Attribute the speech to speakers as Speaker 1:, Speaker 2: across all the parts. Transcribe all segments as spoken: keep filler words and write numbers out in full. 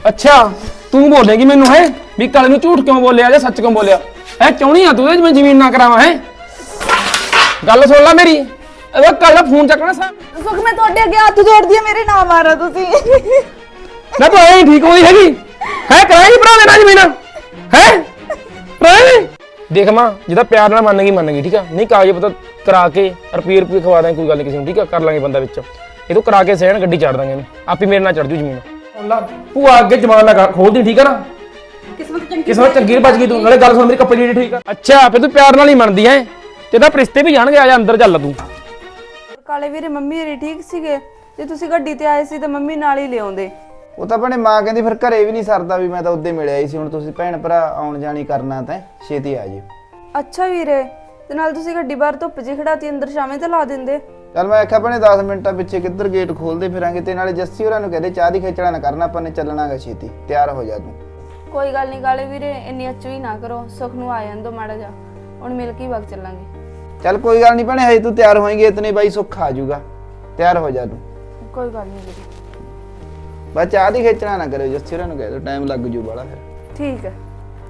Speaker 1: ਅੱਛਾ ਤੂੰ ਬੋਲੇਗੀ ਮੈਨੂੰ ਹੈ ਵੀ ਕਾਲੇ ਨੂੰ ਝੂਠ ਕਿਉਂ ਬੋਲਿਆ ਜਾਂ ਸੱਚ ਕਿਉਂ ਬੋਲਿਆ ਹੈ ਚਾਹੁੰਦੀ ਆ ਤੂੰ ਮੈਂ ਜ਼ਮੀਨ ਨਾ ਕਰਾਵਾਂ ਹੈ ਗੱਲ ਸੁਣ ਲੈ ਮੇਰੀ ਇਹ ਕੱਲ ਫੋਨ ਚੱਕਣਾ ਸਾ
Speaker 2: ਸੁਖ ਮੈਂ ਤੁਹਾਡੇ ਅੱਗੇ ਹੱਥ ਜੋੜਦੀ ਆ ਮੇਰੇ ਨਾ ਮਾਰੋ ਤੁਸੀਂ
Speaker 1: ਨਾ ਤੂੰ ਐਂ ਠੀਕ ਹੋਈ ਹੈਗੀ ਹੈ ਕਰਾਏਗੀ ਭਰਾ ਦੇਣਾ ਜ਼ਮੀਨ ਹੈ ਭਰਾ ਦੇਖ ਮਾਂ ਜਿਹਦਾ ਪਿਆਰ ਨਾਲ ਮੰਨ ਗਈ ਮੰਨ ਗਈ ਠੀਕ ਆ ਨਹੀਂ ਕਾਗਜ਼ ਪਤਾ ਕਰਾ ਕੇ ਰੁਪਏ ਰੁਪਏ ਖਵਾ ਦਾਂਗੇ ਕੋਈ ਗੱਲ ਨਹੀਂ ਕਿਸੇ ਨੂੰ ਠੀਕ ਆ ਕਰ ਲਾਂਗੇ ਬੰਦਾ ਵਿੱਚ ਇਹ ਤੋਂ ਕਰਾ ਕੇ ਸਹਿਣ ਗੱਡੀ ਚੜ ਦਾਂਗੇ ਇਹਨੂੰ ਆਪੇ ਮੇਰੇ ਨਾਲ ਚੜ ਜੂ ਜ਼ਮੀਨ ਭੂਆ ਅੱਗੇ ਜਮਾਨ ਨਾ ਖੋਲਦੀ ਠੀਕ ਆ ਨਾ
Speaker 2: ਕਿਸਮਤ ਚੰਗੀ
Speaker 1: ਕਿਸਮਤ ਚੰਗੀ ਬਚ ਗਈ ਤੂੰ ਨਾਲੇ ਗੱਲ ਸੁਣ ਮੇਰੀ ਕੱਪੜੇ ਜਿਹੜੀ ਠੀਕ ਆ ਅੱਛਾ ਫਿਰ ਤੂੰ ਪਿਆਰ ਨਾਲ ਹੀ ਮੰਨਦੀ ਐ ਤੇ ਤਾਂ ਰਿਸ਼ਤੇ ਵੀ ਜਾਣਗੇ ਆ ਜਾ ਅੰਦਰ ਚੱਲ ਤੂੰ
Speaker 2: ਕਾਲੇ ਵੀਰੇ ਮੰਮੀ ਰੀ ਠੀਕ ਸੀਗੇ ਜੇ ਤੁਸੀਂ ਗੱਡੀ ਤੇ ਆਏ ਸੀ ਤਾਂ ਮੰਮੀ ਨਾਲ ਹੀ ਲਿਆਉਂਦੇ
Speaker 3: ਉਹ ਤਾਂ ਆਪਣੇ ਮਾਂ ਕਹਿੰਦੀ ਫਿਰ ਘਰੇ ਵੀ ਨਹੀਂ ਸਰਦਾ ਵੀ ਮੈਂ ਤਾਂ ਉੱਦੇ ਮਿਲਿਆ ਹੀ ਸੀ ਹੁਣ ਤੁਸੀਂ ਭੈਣ ਭਰਾ ਆਉਣ ਜਾਣੀ ਕਰਨਾ ਤਾਂ ਛੇਤੀ ਆ ਜਿਓ
Speaker 2: ਅੱਛਾ ਵੀਰੇ ਤੇ ਨਾਲ ਤੁਸੀਂ ਗੱਡੀ ਬਾਹਰ ਧੁੱਪ 'ਚ ਖੜਾਤੀ ਅੰਦਰ ਛਾਵੇਂ ਤੇ ਲਾ ਦਿੰਦੇ
Speaker 3: ਚੱਲ ਮੈਂ ਆਖਿਆ ਭੈਣੇ ਦਸ ਮਿੰਟਾਂ ਪਿੱਛੇ ਕਿੱਧਰ ਗੇਟ ਖੋਲਦੇ ਫਿਰਾਂਗੇ ਤੇ ਨਾਲੇ ਜੱਸੀ ਹੋਰਾਂ ਨੂੰ ਕਹਦੇ ਚਾਹ ਦੀ ਖੇਚੜਾ ਨਾ ਕਰਨਾ ਆਪਾਂ ਨੇ ਚੱਲਣਾਗਾ ਛੇਤੀ ਤਿਆਰ ਹੋ ਜਾ ਤੂੰ
Speaker 2: ਕੋਈ ਗੱਲ ਨਹੀਂ ਕਾਲੇ ਵੀਰੇ ਇੰਨੀ ਅੱਚੂ ਹੀ ਨਾ ਕਰੋ ਸੁਖ ਨੂੰ ਆ ਜਾਣ ਦੋ ਮਾੜਾ ਜਾ ਹੁਣ ਮਿਲ ਕੇ ਹੀ ਵਗ ਚੱਲਾਂਗੇ
Speaker 3: ਚੱਲ ਕੋਈ ਗੱਲ ਨਹੀਂ ਭੈਣੇ ਹਜੇ ਤੂੰ ਤਿਆਰ ਹੋਏਂਗੀ ਇਤਨੇ ਬਾਈ ਸੁੱਖ ਆ ਜਾਊਗਾ ਤਿਆਰ ਹੋ ਜਾ ਤੂੰ
Speaker 2: ਕੋਈ ਗੱਲ ਨਹੀਂ ਵੀਰੇ
Speaker 3: ਬਸ ਚਾਹ ਦੀ ਖੇਚੜਾ ਨਾ ਕਰਿਓ ਜੱਸੀ ਹੋਰਾਂ ਨੂੰ ਕਹਿ ਦਿਓ ਟਾਈਮ ਲੱਗ ਜੂ ਬਾਲਾ ਫਿਰ
Speaker 2: ਠੀਕ ਹੈ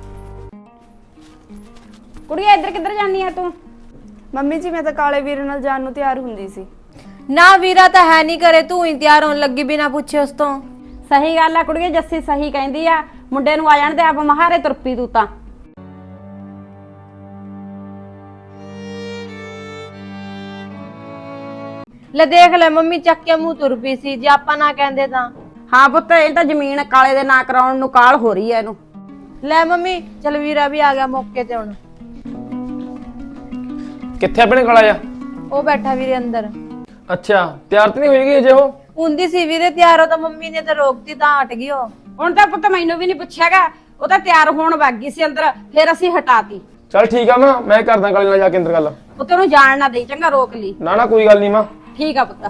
Speaker 4: ਕੁੜੀਏ ਇੱਧਰ ਕਿੱਧਰ ਜਾਨੀ ਆ ਤੂੰ
Speaker 2: ਮੰਮੀ ਜੀ ਮੈਂ ਤਾਂ ਕਾਲੇ ਵੀਰੇ ਨਾਲ ਜਾਣ ਨੂੰ ਤਿਆਰ ਹੁੰਦੀ ਸੀ
Speaker 5: ਨਾ ਵੀਰਾ ਤਾਂ ਹੈ ਨਹੀਂ ਕਰੇ ਤੂੰ ਹੀ ਤਿਆਰ ਹੋਣ ਲੱਗੀ ਬਿਨਾ ਪੁੱਛੇ ਉਸ ਤੋਂ
Speaker 4: ਸਹੀ ਗੱਲ ਆ ਕੁੜੀਏ ਜੱਸੀ ਸਹੀ ਕਹਿੰਦੀ ਆ ਮੁੰਡੇ ਨੂੰ ਆ ਜਾਣ ਤੇ ਆਪ ਮਹਾਰੇ ਤੁਰਪੀ ਤੂੰ ਤਾਂ
Speaker 5: ਲੈ ਦੇਖ ਲੈ ਮੰਮੀ ਚੱਕ ਕੇ ਮੂੰਹ ਤੁਰ ਪਈ ਸੀ ਜੇ ਆਪਾਂ ਨਾ ਕਹਿੰਦੇ ਤਾਂ
Speaker 4: ਹਾਂ ਪੁੱਤ ਇਹ ਤਾਂ ਜ਼ਮੀਨ ਕਾਲੇ ਦੇ ਨਾਂ ਕਰਾਉਣ ਨੂੰ ਕਾਲ ਹੋ ਰਹੀ ਐ ਇਹਨੂੰ
Speaker 5: ਲੈ ਮੰਮੀ ਚਲ ਵੀਰਾ ਵੀ ਆ ਗਿਆ ਮੌਕੇ ਤੇ ਹੁਣ
Speaker 1: ਕਿੱਥੇ ਆਪਣੇ ਕੋਲ ਆਇਆ
Speaker 5: ਉਹ ਬੈਠਾ ਵੀਰੇ ਅੰਦਰ
Speaker 1: ਅੱਛਾ ਤਿਆਰ ਤੇ ਨਹੀਂ ਹੋਏਗੀ ਅਜੇ ਉਹ
Speaker 5: ਹੁੰਦੀ ਸੀ ਵੀਰੇ ਤਿਆਰ ਹੋ ਤਾਂ ਮੰਮੀ ਨੇ ਤਾਂ ਰੋਕਤੀ ਤਾਂ ਹਟ ਗਈ ਉਹ
Speaker 4: ਹੁਣ ਤਾਂ ਪੁੱਤ ਮੈਨੂੰ ਵੀ ਨਹੀਂ ਪੁੱਛਿਆਗਾ ਉਹ ਤਾਂ ਤਿਆਰ ਹੋਣ ਵਗ ਗਈ ਸੀ ਅੰਦਰ ਫਿਰ ਅਸੀਂ ਹਟਾਤੀ
Speaker 1: ਚੱਲ ਠੀਕ ਆ ਮਾਂ ਮੈਂ ਕਰਦਾ ਕਾਲੇ ਨਾਲ ਜਾ ਕੇ ਅੰਦਰ ਗੱਲ
Speaker 4: ਪੁੱਤ ਨੂੰ ਜਾਣ ਨਾ ਦੇਈ ਚੰਗਾ ਰੋਕ ਲਈ
Speaker 1: ਨਾ ਨਾ ਕੋਈ ਗੱਲ ਨਹੀਂ ਮਾਂ
Speaker 4: ਠੀਕ ਆ ਪੁੱਤ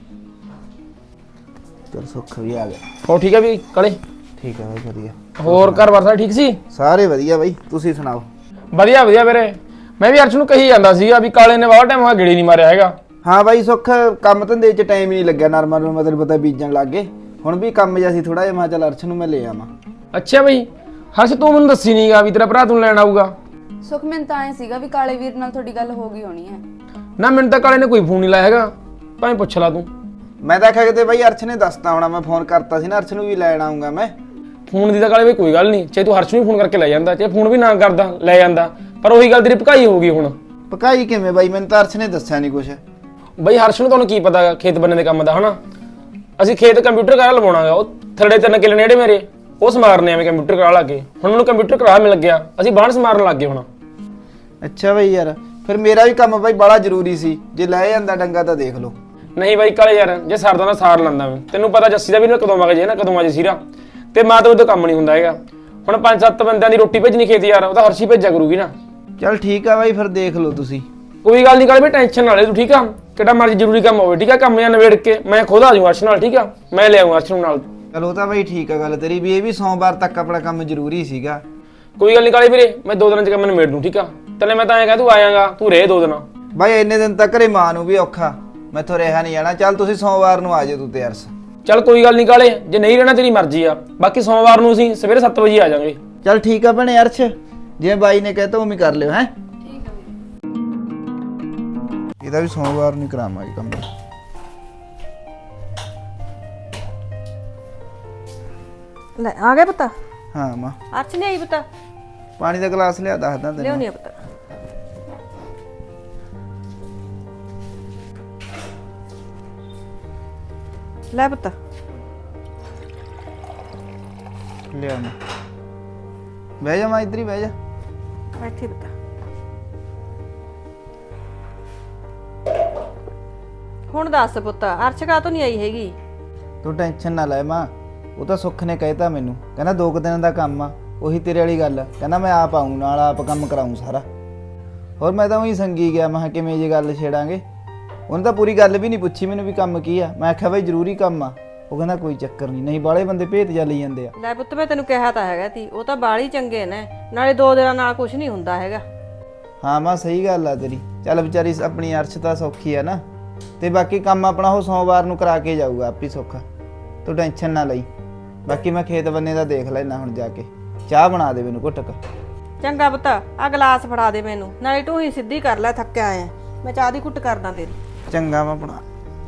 Speaker 3: ਚੱਲ ਸੁੱਖ ਵੀ ਆ ਗਿਆ
Speaker 1: ਹੋ ਠੀਕ ਆ ਵੀ ਕਾਲੇ
Speaker 3: ਠੀਕ ਆ ਬਾਈ ਵਧੀਆ
Speaker 1: ਹੋਰ ਘਰ ਬਾਰ ਠੀਕ ਸੀ
Speaker 3: ਸਾਰੇ ਵਧੀਆ ਬਾਈ ਤੁਸੀਂ ਸੁਣਾਓ
Speaker 1: ਵਧੀਆ ਵਧੀਆ ਵੀਰੇ ਮੈਂ ਵੀ ਅਰਸ਼ ਨੂੰ ਕਹੀ ਜਾਂਦਾ ਸੀਗਾ ਵੀ ਕਾਲੇ ਨੇ ਬਹੁਤ ਟਾਈਮ ਹੋਇਆ ਗੇੜੀ ਨਹੀਂ ਮਾਰਿਆ ਹੈਗਾ
Speaker 3: ਹਾਂ ਬਾਈ ਸੁੱਖ ਕੰਮ ਧੰਦੇ 'ਚ ਟਾਈਮ ਹੀ ਨਹੀਂ ਲੱਗਿਆ ਨਰਮਲ ਨੂੰ ਮਤਲਬ ਪਤਾ ਬੀਜਣ ਲੱਗ ਗਏ ਹੁਣ ਵੀ ਕੰਮ ਜਿਹਾ ਸੀ ਥੋੜਾ ਜਿਹਾ ਮੈਂ ਚੱਲ ਅਰਸ਼ ਨੂੰ ਮੈਂ ਲੈ ਆਵਾਂ
Speaker 1: ਅੱਛਾ ਬਈ ਹਰਸ਼ ਤੂੰ ਮੈਨੂੰ ਦੱਸੀ ਨਹੀਂਗਾ ਵੀ ਤੇਰਾ ਭਰਾ ਤੂੰ ਲੈਣ ਆਊਗਾ
Speaker 2: ਸੁਖ ਮੈਨੂੰ ਤਾਂ ਐ ਸੀਗਾ ਵੀ ਕਾਲੇ ਵੀਰ ਨਾਲ ਤੁਹਾਡੀ ਗੱਲ ਹੋ ਗਈ ਹੋਣੀ ਹੈ
Speaker 1: ਨਾ ਮੈਨੂੰ ਤਾਂ ਕਾਲੇ ਨੇ ਕੋਈ ਫੋਨ ਨਹੀਂ ਲਾਇਆ ਹੈਗਾ ਭਾਵੇਂ ਪੁੱਛ ਲਾ ਤੂੰ
Speaker 3: ਮੈਂ ਤਾਂ ਆਖਿਆ ਕਿਤੇ ਬਾਈ ਅਰਸ਼ ਨੇ ਦੱਸਤਾ ਹੋਣਾ ਮੈਂ ਫੋਨ ਕਰਤਾ ਸੀ ਨਾ ਅਰਸ਼ ਨੂੰ ਵੀ ਲੈਣ ਆਉਂਗਾ ਮੈਂ
Speaker 1: ਫੋਨ ਦੀ ਤਾਂ ਕਾਲੇ ਵੀ ਕੋਈ ਗੱਲ ਨਹੀਂ ਚਾਹੇ ਤੂੰ ਹਰਸ਼ ਨੂੰ ਫੋਨ ਕਰਕੇ ਲੈ ਜਾਂਦਾ ਚਾਹੇ ਫੋਨ ਵੀ ਨਾ ਕਰਦਾ ਲੈ ਜਾਂਦਾ ਪਰ ਉਹੀ ਗੱਲ ਤੇਰੀ ਭਕਾਈ ਹੋ ਗਈ ਹੁਣ
Speaker 3: ਪਕਾਈ ਕਿਵੇਂ ਬਾਈ ਮੈਨੂੰ ਤਾਂ ਅਰਸ਼ ਨੇ ਦੱਸਿਆ ਨਹੀਂ ਕੁਛ
Speaker 1: ਬਈ ਹਰਸ਼ ਨੂੰ ਤੁਹਾਨੂੰ ਕੀ ਪਤਾ ਖੇਤ ਬੰਨੇ ਦੇ ਕੰਮ ਦਾ ਹਨਾ ਅਸੀਂ ਖੇਤ ਕੰਪਿਊਟਰ ਕਰਾ ਲਵਾਉਣਾਗਾ ਉਹ ਥੜੇ ਤਿੰਨ ਕਿੱਲੇ ਨੇੜੇ ਮੇਰੇ ਉਹ ਸਮਾਰਨੇ ਐਵੇਂ ਕੰਪਿਊਟਰ ਕਰਾ ਲਾ ਕੇ ਹੁਣ ਮੈਨੂੰ ਕੰਪਿਊਟਰ ਕਰਾ ਮਿਲ ਗਿਆ ਅਸੀਂ ਬਾਹਰ ਸਮਾਰਨ ਲੱਗ ਗਏ ਹੁਣ
Speaker 3: ਅੱਛਾ ਬਾਈ ਯਾਰ ਫਿਰ ਮੇਰਾ ਵੀ ਕੰਮ ਬਾਈ ਬੜਾ ਜ਼ਰੂਰੀ ਸੀ ਜੇ ਲੈ ਜਾਂਦਾ ਡੰਗਾ ਤਾਂ ਦੇਖ ਲਓ
Speaker 1: ਨਹੀਂ ਬਾਈ ਕਾਲੇ ਯਾਰ ਜੇ ਸਰਦਾ ਨਾ ਸਾਰ ਲੈਂਦਾ ਮੈਂ ਤੈਨੂੰ ਪਤਾ ਜੱਸੀ ਦਾ ਵੀ ਨਾ ਕਦੋਂ ਵਗ ਜੇ ਨਾ ਕਦੋਂ ਆ ਜੇ ਸੀਰਾ ਤੇ ਮਾਂ ਤੋਂ ਉਹ ਕੰਮ ਨਹੀਂ ਹੁੰਦਾ ਹੈਗਾ ਹੁਣ ਪੰਜ ਸੱਤ ਬੰਦਿਆਂ ਦੀ ਰੋਟੀ ਭੇਜਣੀ ਖੇਤ ਯਾਰ ਉਹ ਤਾਂ ਹਰਸ਼ੀ ਭੇਜਿਆ ਕਰੂਗੀ ਨਾ
Speaker 3: ਚੱਲ ਠੀਕ ਆ ਬਾਈ ਫਿਰ ਦੇਖ ਲਓ ਤੁਸੀਂ
Speaker 1: ਕੋਈ ਗੱਲ ਨਹੀਂ ਕਾਲੇ ਵੀ ਟੈਨਸ਼ਨ ਨਾ ਲੈ ਤੂੰ ਠੀਕ ਆ ਕਿਹੜਾ ਮਰਜ਼ੀ ਜ਼ਰੂਰੀ ਕੰਮ ਹੋਵੇ ਠੀਕ ਆ ਕੰਮ ਜਾਂ ਨਵੇੜ ਕੇ ਮੈਂ ਖੁਦ ਆ ਜਾਊਂ ਅਰਸ਼ ਨਾਲ ਠੀਕ ਆ ਮੈਂ ਲੈ ਆਊਂ ਅਰਸ਼ ਨੂੰ ਨਾਲ
Speaker 3: ਚਲ ਉਹ ਤਾਂ ਬਾਈ ਠੀਕ ਆ ਗੱਲ ਤੇਰੀ ਵੀ ਇਹ ਵੀ ਸੋਮਵਾਰ ਤੱਕ ਆਪਣਾ ਕੰਮ ਜ਼ਰੂਰੀ ਸੀਗਾ
Speaker 1: ਕੋਈ ਗੱਲ ਨਹੀਂ ਕਾਲੇ ਵੀਰੇ ਮੈਂ ਦੋ ਦਿਨਾਂ ਚ ਕੰਮ ਨਿਬੇੜ ਦੂੰ ਠੀਕ ਆ ਤੈਨੂੰ ਮੈਂ ਤਾਂ ਐਂ ਕਹਿ ਤੂੰ ਆਇਆਗਾ ਤੂੰ ਰਹਿ ਦੋ ਦਿਨ
Speaker 3: ਬਾਈ ਇੰਨੇ ਦਿਨ ਤੱਕ ਘਰੇ ਮਾਂ ਨੂੰ ਵੀ ਔਖਾ ਮੈਥੋਂ ਰਿਹਾ ਨਹੀਂ ਜਾਣਾ ਚੱਲ ਤੁਸੀਂ ਸੋਮਵਾਰ ਨੂੰ ਆ ਜਾਓ ਤੂੰ ਤੇ ਅਰਸ਼
Speaker 1: ਚੱਲ ਕੋਈ ਗੱਲ ਨਹੀਂ ਕਾਲੇ ਜੇ ਨਹੀਂ ਰਹਿਣਾ ਤੇਰੀ ਮਰਜ਼ੀ ਆ ਬਾਕੀ ਸੋਮਵਾਰ ਨੂੰ ਅਸੀਂ ਸਵੇਰੇ ਸੱਤ ਵਜੇ ਆ ਜਾਵਾਂਗੇ
Speaker 3: ਚੱਲ ਠੀਕ ਆ ਭੈਣੇ ਅਰਸ਼ ਜਿਵੇਂ ਬਾਈ ਨੇ ਕਹਿਤਾ ਉਵੇਂ ਕਰ ਲਿਓ ਹੈ
Speaker 2: ਠੀਕ ਹੈ
Speaker 3: ਇਹਦਾ ਵੀ ਸੋਮਵਾਰ ਨੂੰ ਕਰਾਵਾਂਗੇ ਕੰਮ
Speaker 5: ਲੈ ਆ ਗਿਆ ਪਤਾ
Speaker 3: ਹਾਂ ਮਾਂ
Speaker 5: ਅਰਸ਼ ਨਹੀਂ ਆਈ ਪਤਾ
Speaker 3: ਪਾਣੀ ਦਾ ਗਲਾਸ ਲਿਆ ਦੱਸਦਾ ਤੈਨੂੰ
Speaker 5: ਲਿਆਉਣੀ ਆ ਪਤਾ ਲੈ ਪਤਾ
Speaker 3: ਲਿਆ ਮੈਂ ਬਹਿ ਜਾ ਮਾਂ ਇੱਧਰ ਹੀ ਬਹਿ ਜਾ
Speaker 5: ਬੈਠੀ ਪਤਾ ਹੁਣ ਦੱਸ ਪੁੱਤ ਅਰਸ਼ ਕਾ ਤੋਂ ਨਹੀਂ ਆਈ ਹੈਗੀ
Speaker 3: ਤੂੰ ਟੈਨਸ਼ਨ ਨਾ ਲੈ ਮਾਂ ਉਹ ਤਾਂ ਸੁੱਖ ਨੇ ਕਹਿਤਾ ਮੈਨੂੰ ਕਹਿੰਦਾ ਦੋ ਕੁ ਦਿਨਾਂ ਦਾ ਕੰਮ ਆ ਉਹੀ ਤੇਰੇ ਵਾਲੀ ਗੱਲ ਕਹਿੰਦਾ ਮੈਂ ਆਪ ਆਊਂ ਨਾਲ ਆਪ ਕੰਮ ਕਰਾਊਂ ਸਾਰਾ ਹੋਰ ਮੈਂ ਤਾਂ ਉਹੀ ਸੰਗੀ ਗਿਆ ਮੈਂ ਕਿਹਾ ਕਿਵੇਂ ਜੇ ਗੱਲ ਛੇੜਾਂਗੇ ਉਹਨੇ ਤਾਂ ਪੂਰੀ ਗੱਲ ਵੀ ਨਹੀਂ ਪੁੱਛੀ ਮੈਨੂੰ ਵੀ ਕੰਮ ਕੀ ਆ ਮੈਂ ਆਖਿਆ ਬਾਈ ਜ਼ਰੂਰੀ ਕੰਮ ਆ ਉਹ ਕਹਿੰਦਾ ਕੋਈ ਚੱਕਰ ਨਹੀਂ ਨਹੀਂ ਬਾਲੇ ਬੰਦੇ ਭੇਤ ਜਾ ਲਈ ਜਾਂਦੇ ਆ
Speaker 5: ਲੈ ਪੁੱਤ ਮੈਂ ਤੈਨੂੰ ਕਿਹਾ ਤਾਂ ਹੈਗਾ ਤੀ ਉਹ ਤਾਂ ਬਾਲੀ ਚੰਗੇ ਨੇ ਨਾਲੇ ਦੋ ਦਿਨਾਂ ਨਾਲ ਕੁਝ ਨਹੀਂ ਹੁੰਦਾ ਹੈਗਾ
Speaker 3: ਹਾਂ ਮਾਂ ਸਹੀ ਗੱਲ ਆ ਤੇਰੀ ਚੱਲ ਵਿਚਾਰੀ ਆਪਣੀ ਅਰਸ਼ ਤਾਂ ਸੌਖੀ ਆ ਨਾ ਤੇ ਬਾਕੀ ਕੰਮ ਆਪਣਾ ਉਹ ਸੋਮਵਾਰ ਨੂੰ ਕਰਾ ਕੇ ਜਾਊਗਾ ਆਪੀ ਸੌਖਾ ਤੂੰ ਟੈਨਸ਼ਨ ਨਾ ਲਈ ਬਾਕੀ ਮੈਂ ਖੇਤ ਬੰਨੇ ਦਾ ਦੇਖ ਲੈਣਾ ਹੁਣ ਜਾ ਕੇ। ਚਾਹ ਬਣਾ ਦੇ ਮੈਨੂੰ ਘੁੱਟਕ।
Speaker 5: ਚੰਗਾ ਪੁੱਤ ਆ ਗਲਾਸ ਫੜਾ ਦੇ ਮੈਨੂੰ, ਨਾਲੇ ਤੂੰ ਹੀ ਸਿੱਧੀ ਕਰ ਲੈ, ਥੱਕਿਆ ਆਇਆ ਮੈਂ ਚਾਹ ਦੀ ਘੁੱਟ ਕਰਦਾ ਤੇਰੀ।
Speaker 3: ਚੰਗਾ ਮੈਂ ਬਣਾ।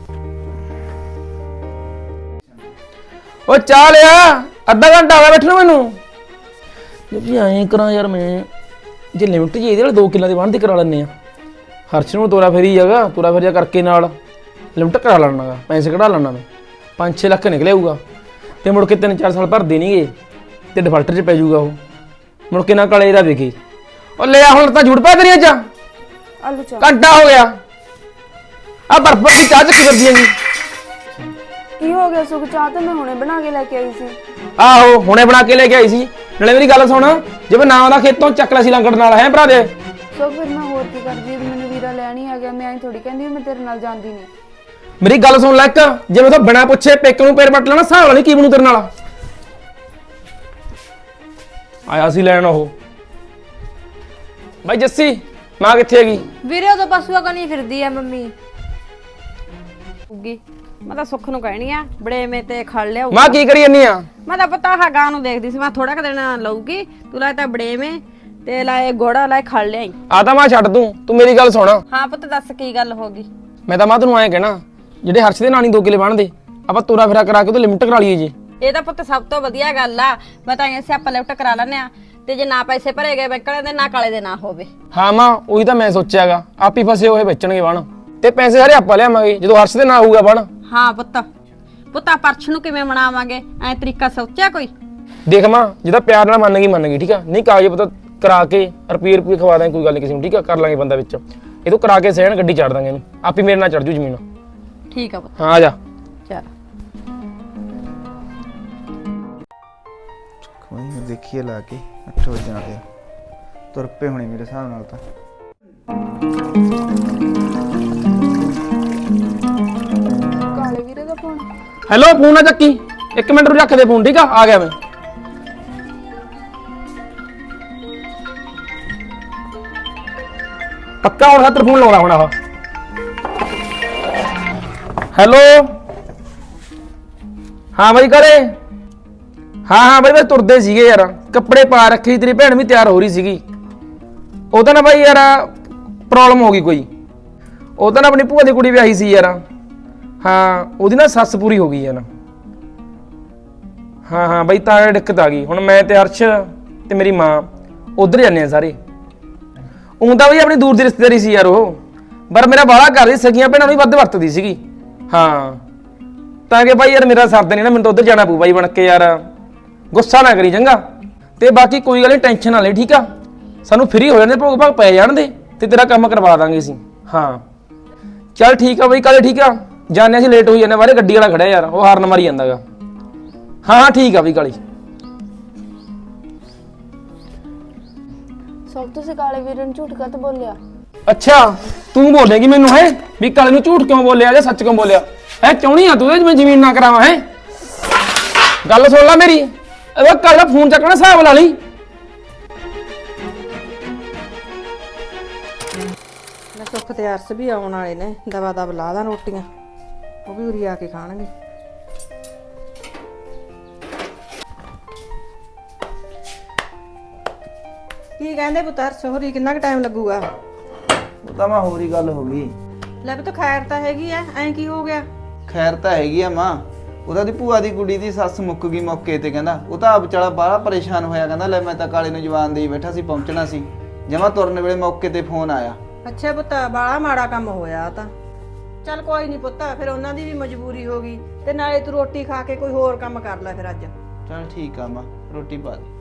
Speaker 1: ਓ ਚਾਹ ਲਿਆ, ਅੱਧਾ ਘੰਟਾ ਹੋ ਗਿਆ ਬੈਠਣ ਨੂੰ ਮੈਨੂੰ। ਜੇ ਐਂ ਕਰਾਂ ਯਾਰ ਮੈਂ, ਜੇ ਲਿਮਟ ਜੀ ਇਹਦੇ ਨਾਲ ਦੋ ਕਿੱਲਾਂ ਦੀ ਬਣਦੀ ਕਰਾ ਲੈਂਦੇ ਆ। ਹਰਸ਼ ਨੂੰ ਤੋਰਾ ਫੇਰੀ ਜਾਗਾ, ਤੋਰਾ ਫੇਰੀਆ ਕਰਕੇ ਨਾਲ ਲਿਮਟ ਕਰਾ ਲੈਣਾਗਾ, ਪੈਸੇ ਕਢਾ ਲੈਣਾ ਮੈਂ। ਪੰਜ ਛੇ ਲੱਖ ਨਿਕਲੇ ਆਊਗਾ ਤੇ ਮੁੜ ਕੇ ਤਿੰਨ ਚਾਰ ਸਾਲ ਭਰਦੇ ਨਹੀਂਗੇ ਤੇ ਡਿਫਾਲਟਰ 'ਚ ਪੈ ਜਾਊਗਾ ਉਹ। ਮੁੜ ਕੇ ਨਾ ਕਾਲੇ ਦਾ ਵੇਖੇ। ਉਹ ਲੈ ਹੁਣ ਤਾਂ ਝੂਠ ਪਾ ਤੇਰੀਆਂ ਚ
Speaker 2: ਆਲੂ ਚਾਹ।
Speaker 1: ਘੰਟਾ ਹੋ ਗਿਆ ਆ ਬਰਫ ਵਾਲੀ ਚਾਹ ਚੱਕੀ ਫਿਰਦੀ ਹੈਗੀ।
Speaker 2: ਕੀ ਹੋ ਗਿਆ ਸੁਖ? ਚਾਹ ਤਾਂ ਮੈਂ ਹੁਣੇ ਬਣਾ ਕੇ ਲੈ ਕੇ ਆਈ ਸੀ।
Speaker 1: ਆਹੋ ਹੁਣੇ ਬਣਾ ਕੇ ਲੈ ਕੇ ਆਈ ਸੀ। ਨਾਲੇ ਮੇਰੀ ਗੱਲ ਸੁਣ, ਜੇ ਮੈਂ ਨਾ ਆਉਂਦਾ ਖੇਤੋਂ ਚੱਕ ਲਿਆ ਸੀ ਲੰਗੜ ਨਾਲ, ਹੈ ਭਰਾ ਦੇ।
Speaker 2: ਸੁਖ ਫਿਰ ਮੈਂ ਹੋਰ ਕੀ ਕਰਦੀ, ਮੈਨੂੰ ਵੀਰਾ ਲੈਣ ਹੀ ਆ ਗਿਆ। ਮੈਂ ਐਂ ਥੋੜੀ ਕਹਿੰਦੀ ਮੈਂ ਤੇਰੇ ਨਾਲ ਜਾਂਦੀ ਨਹੀਂ।
Speaker 1: ਮੇਰੀ ਗੱਲ ਸੁਣ ਲੈ ਇੱਕ, ਜੇ ਮੈਂ ਤਾਂ ਬਿਨਾਂ ਪੁੱਛੇ ਪੇਕ ਨੂੰ ਪੈਰ ਪੱਟ ਲੈਣਾ, ਹਿਸਾਬ ਵਾਲੀ ਕੀ ਬਣੂ ਤੇਰੇ ਨਾਲ। ਆਇਆ ਸੀ ਲੈਣ ਉਹ ਬਾਈ ਜੱਸੀ, ਮਾਂ ਕਿੱਥੇ ਹੈਗੀ?
Speaker 5: ਵੀਰੇ ਉਹ ਤਾਂ ਪਸ਼ੂਆ ਕਨੀ ਫਿਰਦੀ ਆ ਮੰਮੀ। ਉੱਗੀ ਮੈਂ ਤਾਂ ਸੁੱਖ ਨੂੰ ਕਹਿਣੀ ਆ ਬੜੇਵੇਂ ਤੇ ਖੜ ਲਿਆ।
Speaker 1: ਮਾਂ ਕੀ ਕਰੀ ਜੰਨੀ ਆ?
Speaker 5: ਮੈਂ ਤਾਂ ਪਤਾ ਹਾਂ ਗਾਂ ਨੂੰ ਦੇਖਦੀ ਸੀ, ਮੈਂ ਥੋੜਾ ਕੁ ਦਿਨ ਲਊਗੀ। ਤੂੰ ਲਾਏ ਤਾਂ ਬੜੇਵੇਂ ਤੇ ਲਾਏ ਗੋੜਾ ਲਾਏ ਖੜ ਲਿਆਈ।
Speaker 1: ਆ ਤਾਂ ਮਾਂ ਛੱਡ ਤੂੰ, ਤੂੰ ਮੇਰੀ ਗੱਲ ਸੁਣ।
Speaker 5: ਹਾਂ ਪੁੱਤ ਦੱਸ ਕੀ ਗੱਲ ਹੋ ਗਈ?
Speaker 1: ਮੈਂ ਤਾਂ ਮਾਂ ਤੈਨੂੰ ਐਂ ਕਹਿਣਾ, ਜਿਹੜੇ ਹਰਸ਼ ਦੇ ਨਾਨੀ ਦੋ ਕਿਲੇ ਬਣਦੇ, ਆਪਾਂ ਤੋਰਾ ਫੇਰਾ ਕਰਾ ਕੇ ਉਹਦੀ ਲਿਮਟ ਕਰਾ ਲਈਏ ਜੀ।
Speaker 5: ਇਹ ਤਾਂ ਪੁੱਤ ਸਭ ਤੋਂ ਵਧੀਆ ਗੱਲ ਆ। ਮੈਂ ਤਾਂ ਐਸੇ ਆਪਾਂ ਲਿਫਟ ਕਰਾ ਲੈਣੇ ਆ, ਤੇ ਜੇ ਨਾ ਪੈਸੇ ਭਰੇ ਗਏ ਬੈਂਕ ਵਾਲੇ ਦੇ, ਨਾ ਕਾਲੇ ਦੇ ਨਾ ਹੋਵੇ।
Speaker 1: ਹਾਂ ਮਾਂ ਉਹੀ ਤਾਂ ਮੈਂ ਸੋਚਿਆਗਾ, ਆਪ ਹੀ ਫਸੇ ਹੋਏ ਵੇਚਣਗੇ ਬਣ, ਤੇ ਪੈਸੇ ਸਾਰੇ ਆਪਾਂ ਲਿਆਵਾਂਗੇ ਜਦੋਂ ਹਰਸ਼ ਦੇ ਨਾ ਹੋਊਗਾ ਬਣ।
Speaker 5: ਹਾਂ ਪੁੱਤ ਪੁੱਤਾ ਪਰਛ ਨੂੰ ਕਿਵੇਂ ਮਨਾਵਾਂਗੇ, ਐ ਤਰੀਕਾ ਸੋਚਿਆ ਕੋਈ?
Speaker 1: ਦੇਖ ਮਾਂ ਜਿਹਦਾ ਪਿਆਰ ਨਾਲ ਮੰਨ ਗਈ ਮੰਨ ਗਈ, ਠੀਕ ਆ। ਨਹੀਂ ਕਾਗਜ਼ ਪਤਾ ਕਰਾ ਕੇ ਰੁਪਏ ਰੁਪਏ ਖਵਾ ਦਾਂਗੇ, ਕੋਈ ਗੱਲ ਨਹੀਂ ਕਿਸੇ ਨੂੰ, ਠੀਕ ਆ। ਕਰ ਲਾਂਗੇ ਬੰਦਾ ਵਿੱਚ, ਇਹ ਤੋਂ ਕਰਾ ਕੇ ਸਹਿਣ ਗੱਡੀ ਚੜ ਦਾਂਗੇ ਇਹਨੂੰ, ਆਪੀ ਮੇਰੇ ਨਾਲ ਚੜ ਜੂ ਜ਼ਮੀਨ।
Speaker 5: ਠੀਕ ਆ ਪੁੱਤ,
Speaker 1: ਹਾਂ ਆ ਜਾ।
Speaker 5: ਚੱਲ
Speaker 3: ਕੋਈ ਨਾ ਦੇਖੀਏ ਲਾ ਕੇ ਅੱਠ ਵਜੇ ਨਾਲ ਤੁਰ ਪਏ ਹੋਣੇ ਮੇਰੇ ਹਿਸਾਬ ਨਾਲ ਤਾਂ।
Speaker 2: ਕਾਲੇ ਵੀਰੇ ਦਾ ਫੋਨ।
Speaker 1: ਹੈਲੋ, ਫੋਨ ਨਾ ਚੱਕੀ, ਇੱਕ ਮਿੰਟ ਰੂ ਰੱਖ ਦੇ ਫੋਨ, ਠੀਕ ਆ। ਆ ਗਿਆ ਮੈਂ। ਪੱਕਾ ਹੁਣ ਖਾਤਰ ਫੋਨ ਲਾਉਣਾ ਹੁਣ। ਆਹ ਹੈਲੋ, ਹਾਂ ਬਾਈ ਘਰੇ। ਹਾਂ ਹਾਂ ਬਾਈ ਬਸ ਤੁਰਦੇ ਸੀਗੇ ਯਾਰ, ਕੱਪੜੇ ਪਾ ਰੱਖੇ, ਤੇਰੀ ਭੈਣ ਵੀ ਤਿਆਰ ਹੋ ਰਹੀ ਸੀਗੀ। ਉਹ ਤਾਂ ਨਾ ਬਾਈ ਯਾਰ ਪ੍ਰੋਬਲਮ ਹੋ ਗਈ ਕੋਈ, ਉਹ ਤਾਂ ਨਾ ਆਪਣੀ ਭੂਆ ਦੀ ਕੁੜੀ ਵਿਆਹੀ ਸੀ ਯਾਰ। ਹਾਂ ਉਹਦੀ ਨਾ ਸੱਸ ਪੂਰੀ ਹੋ ਗਈ ਯਾਰ। ਹਾਂ ਹਾਂ ਬਾਈ ਤਾਂ ਦਿੱਕਤ ਆ ਗਈ। ਹੁਣ ਮੈਂ ਤੇ ਅਰਸ਼ ਤੇ ਮੇਰੀ ਮਾਂ ਉਧਰ ਜਾਂਦੇ ਆ ਸਾਰੇ। ਉਹ ਤਾਂ ਬਈ ਆਪਣੀ ਦੂਰ ਦੀ ਰਿਸ਼ਤੇਦਾਰੀ ਸੀ ਯਾਰ ਉਹ, ਪਰ ਮੇਰਾ ਬਾਹਲਾ ਕਰਦੀ, ਸਗੀਆਂ ਭੈਣਾਂ ਨੂੰ ਵੀ ਵੱਧ ਵਰਤਦੀ ਸੀਗੀ। ਹਾਂ ਤਾਂ ਕਿ ਬਾਈ ਯਾਰ ਮੇਰਾ ਸਰਦ ਨਹੀਂ ਨਾ, ਮੈਨੂੰ ਤਾਂ ਉਧਰ ਜਾਣਾ ਪਊ ਬਾਈ ਬਣ ਕੇ ਯਾਰ। ਗੁੱਸਾ ਨਾ ਕਰੀ ਚੰਗਾ, ਤੇ ਬਾਕੀ ਕੋਈ ਗੱਲ ਨਹੀਂ, ਟੈਨਸ਼ਨ ਨਾ ਲੈ, ਠੀਕ ਆ। ਸਾਨੂੰ ਫ੍ਰੀ ਹੋ ਜਾਂਦੇ, ਭੋਗ ਭਾਗ ਪੈ ਜਾਣ ਦੇ, ਤੇ ਤੇਰਾ ਕੰਮ ਕਰਵਾ ਦਾਂਗੇ ਅਸੀਂ। ਹਾਂ ਚੱਲ ਠੀਕ ਆ ਬਾਈ ਕਾਲੇ, ਠੀਕ ਆ। ਜਾਣੇ ਅਸੀਂ ਲੇਟ ਹੋਈ ਜਾਂਦੇ, ਬਾਹਰੇ ਗੱਡੀ ਵਾਲਾ ਖੜਿਆ ਯਾਰ, ਉਹ ਹਾਰਨ ਮਾਰੀ ਜਾਂਦਾਗਾ। ਹਾਂ ਹਾਂ ਠੀਕ ਆ ਬਈ ਕਾਲੀ।
Speaker 2: ਸਭ ਤੁਸੀਂ ਕਾਲੇ ਵੀਰੇ ਨੂੰ ਝੂਠ ਕੱਤ ਬੋਲਿਆ?
Speaker 1: ਅੱਛਾ ਤੂੰ ਬੋਲੇਗੀ ਮੈਨੂੰ ਹੈ ਵੀ ਕਾਲੇ ਨੂੰ ਝੂਠ ਕਿਉਂ ਬੋਲਿਆ ਜਾਂ ਸੱਚ ਕਿਉਂ ਬੋਲਿਆ? ਹੈ ਚਾਹੁੰਦੀ ਆ ਤੂੰ ਇਹ ਮੈਂ ਜ਼ਮੀਨ ਨਾ ਕਰਾਵਾਂ? ਹੈ ਗੱਲ ਸੁਣ ਲੈ ਮੇਰੀ, ਇਹ ਕੱਲ ਦਾ ਫੋਨ ਚੱਕਣਾ, ਹਿਸਾਬ ਲਾ ਲਈ।
Speaker 5: ਮੈਂ ਸੁੱਖ ਤੇ ਅਰਸ ਵੀ ਆਉਣ ਵਾਲੇ ਨੇ, ਦਵਾ ਦਵ ਲਾ ਦਾਂ ਰੋਟੀਆਂ, ਉਹ ਵੀ ਉਰੀ ਆ ਕੇ ਖਾਣਗੇ। ਕੀ ਕਹਿੰਦੇ ਪੁੱਤ ਅਰਸ ਹੋਰੀ, ਕਿੰਨਾ ਕੁ ਟਾਈਮ ਲੱਗੂਗਾ?
Speaker 3: ਉਹ ਤਾਂ ਮਾਂ ਹੋਰ ਹੀ ਗੱਲ ਹੋ ਗਈ।
Speaker 5: ਲੈ ਪੁੱਤ ਖੈਰ ਤਾਂ ਹੈਗੀ ਐ, ਐਂ ਕੀ ਹੋ ਗਿਆ?
Speaker 3: ਖੈਰ ਤਾਂ ਹੈਗੀ ਆ ਮਾਂ, ਉਹਦਾ ਦੀ ਭੂਆ ਦੀ ਕੁੜੀ ਦੀ ਸੱਸ ਮੁੱਕ ਗਈ ਮੌਕੇ ਤੇ। ਕਹਿੰਦਾ ਉਹ ਤਾਂ ਆਪ ਵਿਚਾਰਾ ਬਾਹਲਾ ਪਰੇਸ਼ਾਨ ਹੋਇਆ, ਕਹਿੰਦਾ ਲੈ ਮੈਂ ਤਾਂ ਕਾਲੇ ਨੂੰ ਜਵਾਨ ਦੇਈ ਬੈਠਾ ਸੀ, ਪਹੁੰਚਣਾ ਸੀ, ਜਮਾ ਤੁਰਨ ਵੇਲੇ ਮੌਕੇ ਤੇ ਫੋਨ ਆਇਆ।
Speaker 5: ਅੱਛਾ ਪੁੱਤ ਬਾਲਾ ਮਾੜਾ ਕੰਮ ਹੋਇਆ ਤਾਂ। ਚੱਲ ਕੋਈ ਨਹੀਂ ਪੁੱਤ, ਫਿਰ ਉਹਨਾਂ ਦੀ ਵੀ ਮਜਬੂਰੀ ਹੋ ਗਈ, ਤੇ ਨਾਲੇ ਤੂੰ ਰੋਟੀ ਖਾ ਕੇ ਕੋਈ ਹੋਰ ਕੰਮ ਕਰ ਲੈ ਫਿਰ ਅੱਜ।
Speaker 3: ਚਲ ਠੀਕ ਆ ਮਾਂ, ਰੋਟੀ ਪਾ ਦੇ।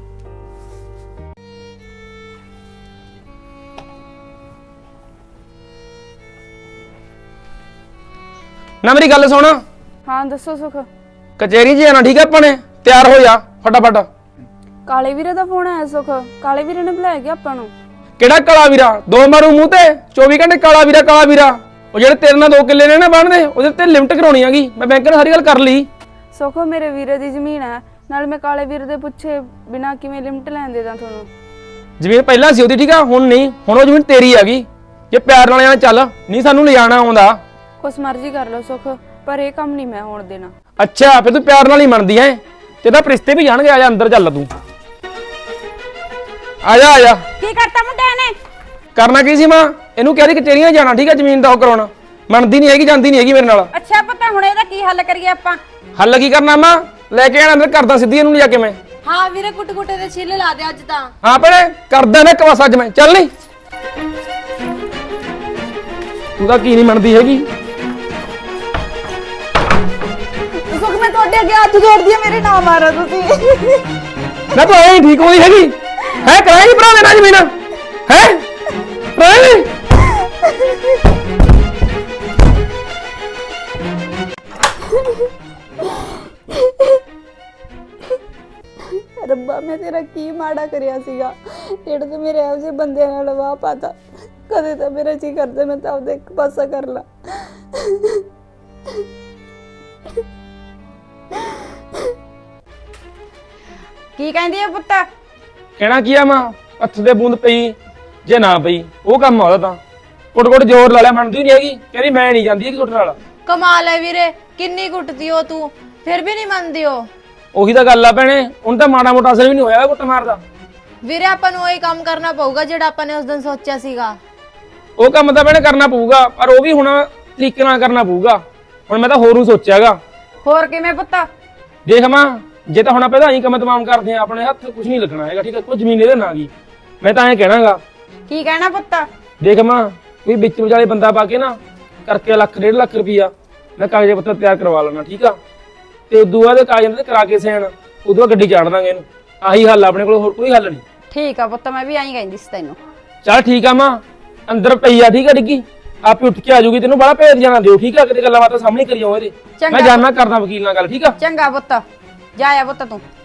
Speaker 1: ਨਾ ਮੇਰੀ ਗੱਲ ਸੁਣ,
Speaker 2: ਹਾਂ ਦੱਸੋ ਸੁਖ।
Speaker 1: ਕਚਹਿਰੀ 'ਚ ਜਾਣਾ, ਠੀਕ ਆ। ਆਪਾਂ ਨੇ ਤਿਆਰ ਹੋ ਜਾ ਫਟਾਫਟ।
Speaker 2: ਕਾਲੇ ਵੀਰੇ ਦਾ ਫੋਨ ਆਇਆ ਸੁਖ, ਕਾਲੇ ਵੀਰੇ ਨੇ ਬੁਲਾਇਆ ਗਿਆ ਆਪਾਂ ਨੂੰ।
Speaker 1: ਕਿਹੜਾ ਕਾਲਾ ਵੀਰਾ? ਦੋ ਮਾਰੂ ਮੂੰਹ ਤੇ, ਚੌਵੀ ਘੰਟੇ ਕਾਲਾ ਵੀਰਾ ਕਾਲਾ ਵੀਰਾ। ਉਹ ਜਿਹੜੇ ਤੇਰੇ ਨਾਲ ਦੋ ਕਿੱਲੇ ਨੇ ਨਾ ਬਣਦੇ, ਉਹਦੇ ਤੇ ਲਿਮਟ ਕਰਾਉਣੀ ਹੈਗੀ। ਮੈਂ ਬੈਂਕ ਨਾਲ ਸਾਰੀ ਗੱਲ ਕਰ ਲਈ।
Speaker 2: ਸੁਖ ਮੇਰੇ ਵੀਰੇ ਦੀ ਜ਼ਮੀਨ ਹੈ, ਨਾਲ ਮੈਂ ਕਾਲੇ ਵੀਰੇ ਦੇ ਪੁੱਛੇ ਬਿਨਾ ਕਿਵੇਂ ਲਿਮਟ ਲੈਣ ਦੇ ਦਾਂ ਤੁਹਾਨੂੰ?
Speaker 1: ਜ਼ਮੀਨ ਪਹਿਲਾਂ ਸੀ ਉਹਦੀ, ਠੀਕ ਆ, ਹੁਣ ਨਹੀਂ। ਹੁਣ ਉਹ ਜ਼ਮੀਨ ਤੇਰੀ ਹੈਗੀ, ਜੇ ਪਿਆਰ ਨਾਲ ਜਾਣਾ ਚੱਲ, ਨਹੀਂ ਸਾਨੂੰ ਲਿਜਾਣਾ ਆਉਂਦਾ।
Speaker 2: ਕੁਛ ਮਰਜ਼ੀ ਕਰ ਲਓ ਸੁਖ, ਪਰ ਇਹ ਕੰਮ ਨਹੀਂ ਮੈਂ ਹੋਣ ਦੇਣਾ।
Speaker 1: ਅੱਛਾ ਫਿਰ ਤੂੰ ਪਿਆਰ ਨਾਲ ਹੀ ਮੰਨਦੀ ਐ? ਤੇ ਤਾਂ ਰਿਸ਼ਤੇ ਵੀ ਜਾਣਗੇ। ਆ ਜਾ ਅੰਦਰ ਚੱਲ ਤੂੰ, ਆ ਜਾ ਆ ਜਾ।
Speaker 4: ਕੀ ਕਰਤਾ ਮੁੰਡੇ ਨੇ?
Speaker 1: ਕਰਨਾ ਕੀ ਸੀ ਮਾਂ, ਇਹਨੂੰ ਕਹਿ ਦੀ ਕਚੇਰੀਆਂ ਜਾਣਾ ਠੀਕ ਆ, ਜ਼ਮੀਨ ਦਾ ਉਹ ਕਰਾਉਣਾ। ਮੰਨਦੀ ਨਹੀਂ ਹੈਗੀ, ਜਾਂਦੀ ਨਹੀਂ ਹੈਗੀ ਮੇਰੇ ਨਾਲ।
Speaker 4: ਅੱਛਾ ਪੁੱਤ ਹੁਣ ਇਹਦਾ ਕੀ ਹੱਲ ਕਰੀਏ ਆਪਾਂ?
Speaker 1: ਹੱਲ ਕੀ ਕਰਨਾ ਮਾਂ, ਲੈ ਕੇ ਆਣਾ ਅੰਦਰ, ਕਰਦਾ ਸਿੱਧੀ ਇਹਨੂੰ ਜਾ ਕੇ ਮੈਂ।
Speaker 2: ਹਾਂ ਵੀਰੇ ਕੁੱਟ ਕੁੱਟੇ ਦੇ ਛਿੱਲੇ ਲਾ ਦੇ ਅੱਜ ਤਾਂ।
Speaker 1: ਹਾਂ ਭੈਣੇ ਕਰਦਾ ਨਾ ਕਵਾਸ ਅੱਜ ਮੈਂ, ਚੱਲ ਨਹੀਂ ਤੂੰ ਤਾਂ ਕੀ ਨਹੀਂ ਮੰਨਦੀ ਹੈਗੀ।
Speaker 5: ਸੁਖ ਮੈਂ ਤੁਹਾਡੇ ਅੱਗੇ ਹੱਥ ਜੋੜਦੀ ਆ, ਮੇਰੇ ਨਾ ਮਾਰੋ ਤੁਸੀਂ।
Speaker 1: ਨਾ ਤੂੰ ਐਂ ਠੀਕ ਹੋਈ ਹੈਗੀ ਹੈ, ਕਰਾਏਗੀ ਭਰਾ ਦੇ ਨਾਲ ਜ਼ਮੀਨ ਹੈ, ਕਰਾਏਗੀ।
Speaker 2: ਰੱਬਾ ਮੈਂ ਤੇਰਾ ਕੀ ਮਾੜਾ ਕਰਿਆ ਸੀਗਾ ਜਿਹੜਾ ਤੂੰ ਮੇਰੇ ਇਹੋ ਜਿਹੇ ਬੰਦੇ ਨਾਲ ਵਾਹ ਪਾਤਾ। ਕਦੇ ਤਾਂ ਮੇਰਾ ਜੀ ਕਰਦਾ ਮੈਂ ਤਾਂ ਆਪਦਾ ਇੱਕ ਪਾਸਾ ਕਰ ਲਾ।
Speaker 4: ਕੀ ਕਹਿੰਦੀ ਆ ਪੁੱਤ?
Speaker 1: ਕਹਿਣਾ ਕੀ ਆ ਮਾਂ, ਹੱਥ ਦੇ ਬੂੰਦ ਪਈ ਜੇ ਨਾ ਪਈ ਉਹ ਕੰਮ ਆਉਦਾ ਤਾਂ ਕੁੱਟ ਕੁੱਟ ਜ਼ੋਰ ਲਾ ਲਿਆ, ਮੰਨਦੀ ਨਹੀਂ ਹੈਗੀ। ਕਹਿੰਦੀ ਮੈਂ ਨਹੀਂ ਜਾਂਦੀ ਹੈਗੀ ਕੁੱਟ ਨਾਲ।
Speaker 6: ਕਮਾਲ ਹੈ ਵੀਰੇ, ਕਿੰਨੀ ਕੁੱਟਦੀ ਹੋ ਤੂੰ, ਫਿਰ ਵੀ ਨਹੀਂ ਮੰਨਦੀ ਹੋ।
Speaker 1: ਉਹੀ ਤਾਂ ਗੱਲ ਆ ਭੈਣੇ, ਹੁਣ ਤਾਂ ਮਾੜਾ ਮੋਟਾ ਅਸਰ ਵੀ ਨਹੀਂ ਹੋਇਆ ਕੁੱਟ ਮਾਰਦਾ।
Speaker 6: ਵੀਰੇ ਆਪਾਂ ਨੂੰ ਉਹੀ ਕੰਮ ਕਰਨਾ ਪਊਗਾ ਜਿਹੜਾ ਆਪਾਂ ਨੇ ਉਸ ਦਿਨ ਸੋਚਿਆ ਸੀਗਾ।
Speaker 1: ਉਹ ਕੰਮ ਤਾਂ ਭੈਣੇ ਕਰਨਾ ਪਊਗਾ, ਪਰ ਉਹ ਵੀ ਹੁਣ ਤਰੀਕੇ ਨਾਲ ਕਰਨਾ ਪਊਗਾ। ਹੁਣ ਮੈਂ ਤਾਂ ਹੋਰ ਨੂੰ ਸੋਚਿਆਗਾ।
Speaker 4: ਹੋਰ ਕਿਵੇਂ ਪੁੱਤ?
Speaker 1: ਦੇਖ ਮਾਂ, ਜੇ ਤਾਂ ਹੁਣ ਆਪਾਂ ਇਹਦਾ ਹੀ ਕੰਮ ਤਮਾਮ ਕਰਦੇ ਆ, ਆਪਣੇ ਹੱਥ ਕੁਝ ਨਹੀਂ ਲੱਗਣਾ ਹੈਗਾ ਠੀਕ ਹੈ। ਕੋਈ ਜ਼ਮੀਨ ਇਹਦੇ ਨਾਲ ਗਈ, ਮੈਂ ਤਾਂ ਐਂ ਕਹਿਣਾਗਾ।
Speaker 4: ਕੀ ਕਹਿਣਾ ਪੁੱਤ?
Speaker 1: ਦੇਖ ਮਾਂ, ਕੋਈ ਵਿੱਚ ਵਿਚਾਲੇ ਬੰਦਾ ਪਾ ਕੇ ਨਾ ਕਰਕੇ ਲੱਖ ਡੇਢ ਲੱਖ ਰੁਪਈਆ ਮੈਂ ਕਾਗਜ਼ ਪੱਤਰ ਤਿਆਰ ਕਰਵਾ ਲੈਣਾ ਠੀਕ ਆ। ਤੇ ਉਦੋਂ ਬਾਅਦ ਕਾਗਜ਼ਾਂ ਤੇ ਕਰਾ ਕੇ ਸੈਨ, ਉਦੋਂ ਬਾਅਦ ਗੱਡੀ ਚਾੜ ਦਾਂਗੇ ਇਹਨੂੰ। ਆਹੀ ਹੱਲ ਆਪਣੇ ਕੋਲ, ਹੋਰ ਕੋਈ ਹੱਲ ਨਹੀਂ।
Speaker 4: ਠੀਕ ਆ ਪੁੱਤ, ਮੈਂ ਵੀ ਐਂ ਕਹਿੰਦੀ ਸੀ ਤੈਨੂੰ।
Speaker 1: ਚੱਲ ਠੀਕ ਆ ਮਾਂ, ਅੰਦਰ ਪਈ ਆ ਠੀਕ ਆ ਡਿੱਗੀ, ਆਪੇ ਉੱਠ ਕੇ ਆ ਜਾਊਗੀ। ਤੈਨੂੰ ਬੜਾ ਭੇਜ ਜਾਣਾ ਦਿਓ ਠੀਕ ਆ, ਕਿਤੇ ਗੱਲਾਂ ਬਾਤਾਂ ਸਾਹਮਣੇ ਕਰੀ ਜਾਓ ਇਹਦੇ।
Speaker 4: ਚੰਗਾ।
Speaker 1: ਮੈਂ ਜਾਣਾ ਕਰਦਾ ਵਕੀਲ ਨਾਲ ਗੱਲ ਠੀਕ ਆ।
Speaker 4: ਚੰਗਾ ਪੁੱਤ, ਜਾ ਆ ਪੁੱਤ ਤੂੰ।